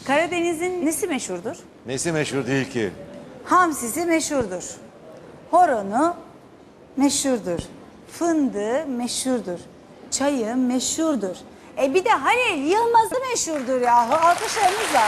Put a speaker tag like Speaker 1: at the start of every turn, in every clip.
Speaker 1: Karadeniz'in nesi meşhurdur?
Speaker 2: Nesi meşhur değil ki?
Speaker 1: Hamsisi meşhurdur. Horonu meşhurdur. Fındığı meşhurdur. Çayı meşhurdur. Bir de Halil Yılmaz'ı meşhurdur ya. Alkışlarınızla.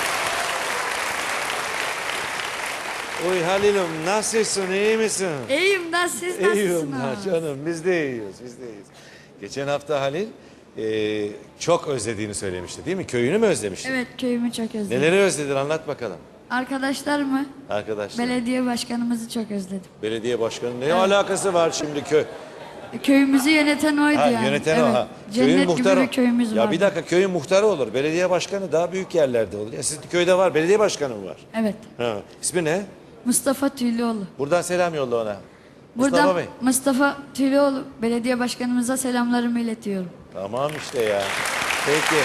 Speaker 2: Oy Halil'im nasılsın, iyi misin?
Speaker 3: İyiyim da siz nasılsınız?
Speaker 2: İyiyim da canım, biz de iyiyiz, biz de iyiyiz. Geçen hafta Halil çok özlediğini söylemişti değil mi? Köyünü mü özlemişti?
Speaker 3: Evet, köyümü çok özledim.
Speaker 2: Neleri özledin anlat bakalım.
Speaker 3: Arkadaşlarımı,
Speaker 2: Arkadaşlar.
Speaker 3: belediye başkanımızı çok özledim.
Speaker 2: Belediye başkanı ne alakası var şimdi köy?
Speaker 3: Köyümüzü yöneten oydu
Speaker 2: Ha,
Speaker 3: yani.
Speaker 2: yöneten
Speaker 3: evet.
Speaker 2: o ha.
Speaker 3: Cennet gibi bir köyümüz var.
Speaker 2: Ya bir dakika köyün muhtarı olur. Belediye başkanı daha büyük yerlerde olur. Ya sizin köyde var belediye başkanı mı var?
Speaker 3: Evet.
Speaker 2: Ha. İsmi ne?
Speaker 3: Mustafa Tüylüoğlu.
Speaker 2: Buradan selam yolla ona.
Speaker 3: Buradan
Speaker 2: Mustafa Bey.
Speaker 3: Mustafa Tüylüoğlu belediye başkanımıza selamlarımı iletiyorum.
Speaker 2: Tamam işte ya. Peki.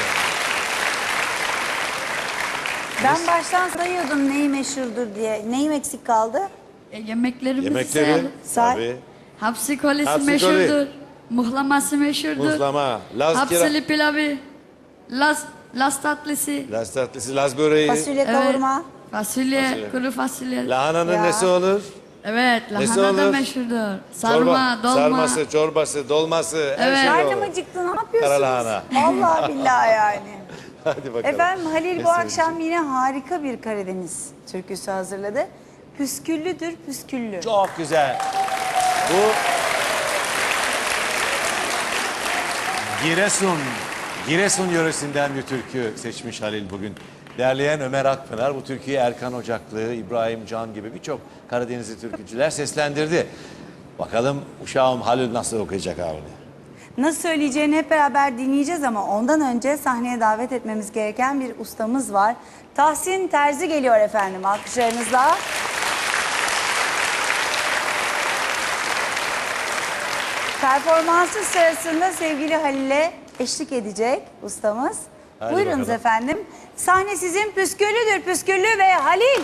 Speaker 1: Ben baştan sayıyordum neyi meşhurdur diye. Neyim eksik kaldı?
Speaker 3: Yemeklerimizi
Speaker 2: Yemekleri.
Speaker 3: sayalım.
Speaker 1: Say.
Speaker 2: Tabii.
Speaker 3: Hapsi kolesi
Speaker 2: Hapsi
Speaker 3: meşhurdur.
Speaker 2: koli.
Speaker 3: Muhlaması meşhurdur.
Speaker 2: Muzlama. Laz kira.
Speaker 3: Hapsili pilavı. Las tatlısı.
Speaker 2: Laz tatlısı, Laz böreği.
Speaker 1: Fasulye kavurma.
Speaker 3: Fasulye, kuru fasulye.
Speaker 2: Lahananın
Speaker 1: Ya.
Speaker 2: nesi olur?
Speaker 3: Evet,
Speaker 2: Nesi
Speaker 3: lahana da
Speaker 2: olur?
Speaker 3: meşhurdur. Sarma, dolma.
Speaker 2: Sarması, çorbası, dolması her
Speaker 3: Evet.
Speaker 2: şey
Speaker 1: Karnım
Speaker 2: olur.
Speaker 1: acıktı, ne yapıyorsunuz?
Speaker 2: Kara lahana.
Speaker 1: Vallahi billahi yani.
Speaker 2: Hadi bakalım.
Speaker 1: Efendim Halil
Speaker 2: Ne
Speaker 1: bu akşam yine harika bir Karadeniz türküsü hazırladı. Püsküllüdür püsküllü.
Speaker 2: Çok güzel. Bu Giresun yöresinden bir türkü seçmiş Halil bugün. Derleyen Ömer Akpınar. Bu türküyü Erkan Ocaklı, İbrahim Can gibi birçok Karadenizli türkücüler seslendirdi. Bakalım uşağım Halil nasıl okuyacak abi?
Speaker 1: Nasıl söyleyeceğini hep beraber dinleyeceğiz ama ondan önce sahneye davet etmemiz gereken bir ustamız var. Tahsin Terzi geliyor efendim alkışlarınızla. Performansı sırasında sevgili Halil'e eşlik edecek ustamız.
Speaker 2: Hadi
Speaker 1: Buyurunuz
Speaker 2: bakalım.
Speaker 1: efendim. Sahne sizin püsküllüdür püsküllü ve Halil.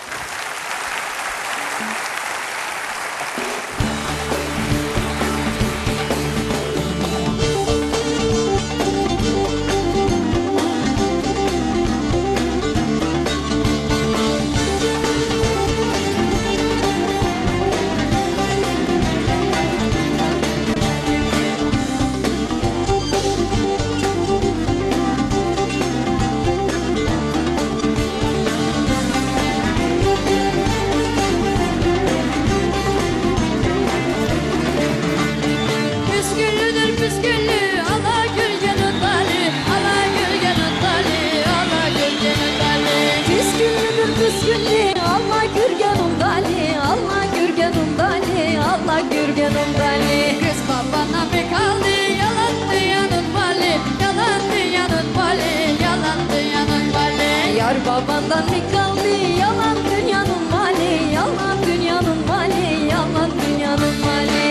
Speaker 3: Püsküllüdür püsküllü, ala gürgenin dali, ala gürgenin dali, ala gürgenin dali.
Speaker 4: Püsküllüdür püsküllü, Allah gürgenum dali, Allah gürgenum dali, Allah gürgenum dali.
Speaker 3: Kız babana mı kaldı, yalan dünyanın mali, yalan dünyanın mali, yalan dünyanın mali.
Speaker 4: Yar babandan mı kaldı, yalan dünyanın mali, yalan dünyanın mali, yalan dünyanın mali.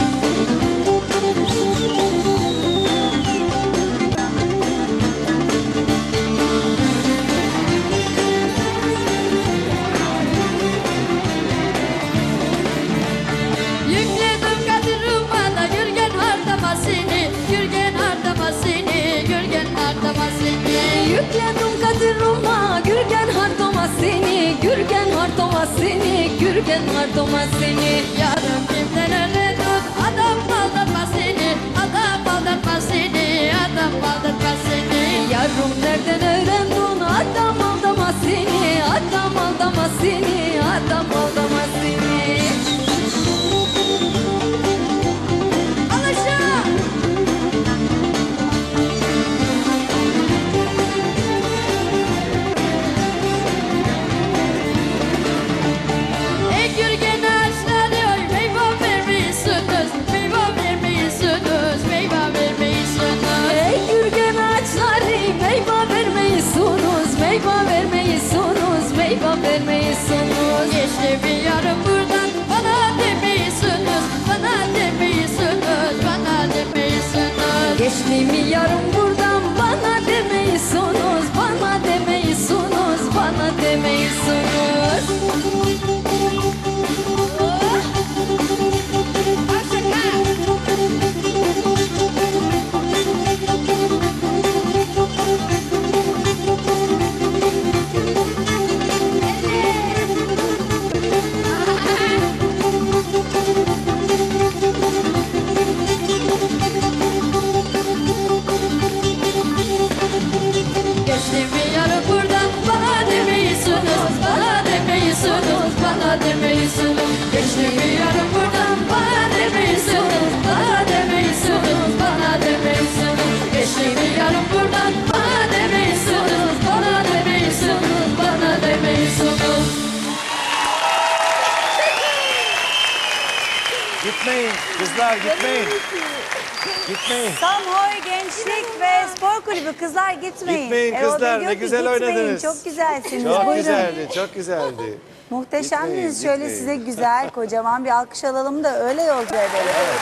Speaker 3: Yükledim kadırıma da gürgen hardamasını, gürgen hardamasını, gürgen hardamasını.
Speaker 4: Yükledim kadırıma, gürgen hardoma seni, gürgen hardoma seni, gürgen hardoma seni.
Speaker 3: Yarım kimden öyle tut, adam aldatma seni, adam aldatma seni, adam aldatma seni.
Speaker 4: Yarım nereden öğrendin, adam aldama seni, adam aldama seni, adam aldama seni.
Speaker 3: Al aşağı. Ey gürgen ağaçları, oy meyve vermiyorsunuz, meyve vermiyorsunuz, meyve vermiyorsunuz.
Speaker 4: Ey gürgen ağaçları meyve vermeyisunuz, meyve vermeyisunuz, meyve vermeyisunuz.
Speaker 3: Geçti bir yarım buradan, bana demiyorsunuz, bana demiyorsunuz, bana demiyorsunuz.
Speaker 4: Geçtiğimi yarım buradan bana demeyisunuz, bana demeyisunuz, bana demeyisunuz.
Speaker 3: Geçti bir yarım buradan bana demiyorsunuz, bana demiyorsunuz, bana demiyorsunuz. Geçti bir yarım buradan bana demiyorsunuz, bana demiyorsunuz, bana demiyorsunuz. Geçti bir yarım buradan bana demiyorsunuz, bana demiyorsunuz, bana demiyorsunuz.
Speaker 2: Gitmeyin kızlar, gitmeyin. Gitmeyin.
Speaker 1: Samhoy Gençlik ve Spor Kulübü, kızlar gitmeyin.
Speaker 2: Gitmeyin
Speaker 1: Erol Bey
Speaker 2: kızlar,
Speaker 1: diyor
Speaker 2: ne
Speaker 1: ki,
Speaker 2: güzel
Speaker 1: "Gitmeyin,
Speaker 2: oynadınız."
Speaker 1: Çok güzelsiniz.
Speaker 2: Çok
Speaker 1: Buyurun.
Speaker 2: güzeldi, çok güzeldi.
Speaker 1: Muhteşemdiniz.
Speaker 2: Gitmeyin,
Speaker 1: Şöyle
Speaker 2: gitmeyin.
Speaker 1: size güzel, kocaman bir alkış alalım da öyle yolcu edelim.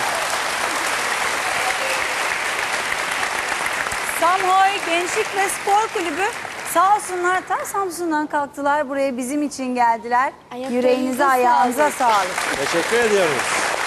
Speaker 1: Samhoy Gençlik ve Spor Kulübü sağ olsunlar, ta Samsun'dan kalktılar buraya bizim için geldiler.
Speaker 4: Ayaklarınıza
Speaker 1: Yüreğinize, ayağınıza sağlık.
Speaker 2: Teşekkür ediyoruz.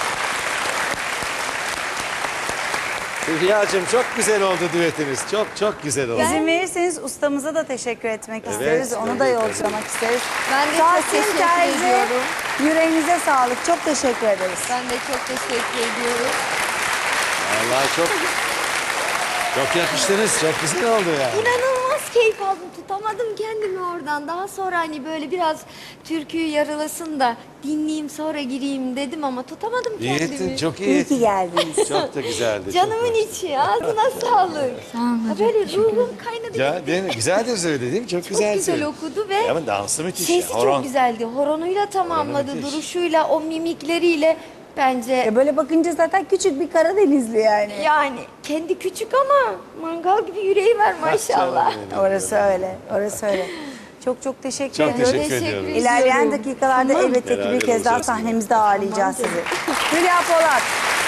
Speaker 2: Hülya'cığım çok güzel oldu düetiniz. Çok çok güzel oldu.
Speaker 1: İzin verirseniz ustamıza da teşekkür etmek
Speaker 2: Evet,
Speaker 1: isteriz. Onu da
Speaker 2: tabii,
Speaker 1: yolculamak isteriz.
Speaker 4: Ben de çok
Speaker 1: Tahsin
Speaker 4: teşekkür
Speaker 1: Terzi,
Speaker 4: ediyorum.
Speaker 1: yüreğinize sağlık. Çok teşekkür ederiz.
Speaker 4: Ben de çok teşekkür ediyorum.
Speaker 2: Vallahi çok yakıştınız. Çok güzel oldu yani.
Speaker 4: İnanılmaz keyif aldım. Tutamadım kendimi oradan. Daha sonra hani böyle biraz türküyü yarılasın da dinleyeyim sonra gireyim dedim ama tutamadım
Speaker 2: İyi
Speaker 4: kendimi.
Speaker 2: ettin, çok iyi
Speaker 1: İyi ki
Speaker 2: ettin.
Speaker 1: geldiniz.
Speaker 2: Çok da güzeldi.
Speaker 4: Canımın içi, ağzına sağlık. Böyle ruhum kaynadı.
Speaker 2: Ya değil mi? Güzel de söyledi değil mi? Çok
Speaker 4: Çok
Speaker 2: güzel
Speaker 4: güzel
Speaker 2: söyledi.
Speaker 4: okudu ve
Speaker 2: Ama dansı müthiş.
Speaker 4: sesi
Speaker 2: ya. Horon.
Speaker 4: çok güzeldi. Horonuyla tamamladı,
Speaker 2: müthiş.
Speaker 4: duruşuyla, o mimikleriyle bence
Speaker 1: Ya böyle bakınca zaten küçük bir Karadenizli yani.
Speaker 4: yani kendi küçük ama mangal gibi yüreği var maşallah.
Speaker 2: Canım benim.
Speaker 1: Orası öyle, orası öyle. Çok çok teşekkür
Speaker 2: Çok
Speaker 1: ediyoruz.
Speaker 2: teşekkür ediyorum.
Speaker 1: İlerleyen dakikalarda elbette ki
Speaker 2: Beraber
Speaker 1: bir kez daha
Speaker 2: olacağız.
Speaker 1: sahnemizde ağırlayacağız sizi. Hülya Polat.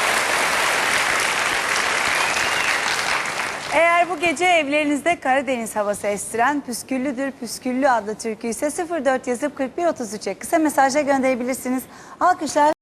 Speaker 1: Eğer bu gece evlerinizde Karadeniz havası estiren Püsküllüdür Püsküllü adlı türküyü ise 04 yazıp 4133'e kısa mesajla gönderebilirsiniz. Alkışlar.